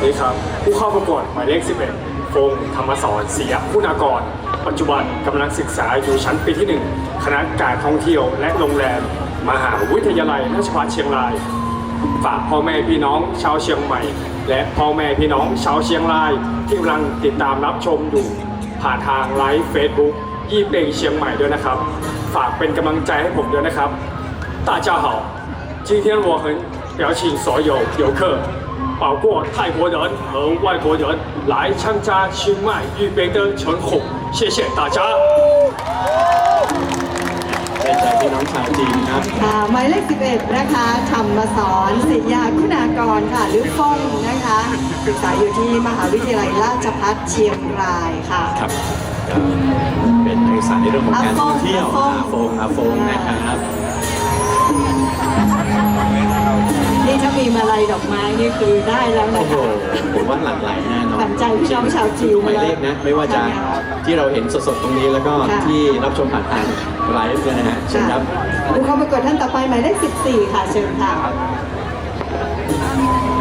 ดีครับผู้เข้าประกวดหมายเลข 11 ฟงศ์ธรรมสอนศรีคุณากร ปัจจุบันกำลังศึกษาอยู่ชั้นปีที่ 1 คณะการท่องเที่ยวและโรงแรม มหาวิทยาลัยราชภัฏเชียงราย ฝากพ่อแม่พี่น้องชาวเชียงใหม่ และพ่อแม่พี่น้องชาวเชียงรายที่กำลังติดตามรับชมอยู่ ผ่านทางไลฟ์เฟซบุ๊กยี่เป่งเชียงใหม่ด้วยนะครับ ฝากเป็นกำลังใจให้ผมด้วยนะครับ大家好今天我很邀请所有游客包括泰国人和外国人来参加清迈玉杯的晨红谢谢大家เป็นใจพี่น้องชาวจีนครับหมายเลข 11 นะคะธรรมสอนศิยาคุณากรค่ะหรือฟ้องนะคะศึกษาอยู่ที่มหาวิทยาลัยราชภัฏเชียงรายค่ะครับเป็นนักศึกษาในเรื่องของการท่องเที่ยวอาฟงนะครับนี่ถ้ามีมาลัยดอกไม้นี่คือได้แล้วนะโอ้โหคะผมว่าหลั่งไหลแน่นอนขวัญใจพี่น้องชาวจีนทุกหมายเลขนะไม่ว่าจะที่เราเห็นสดๆตรงนี้แล้วก็ที่รับชมผ่านทางไลฟ์เนี่ยนะฮะเชิญครับผู้เข้าประกวดท่านต่อไปหมายเลข 14 ค่ะเชิญค่ะ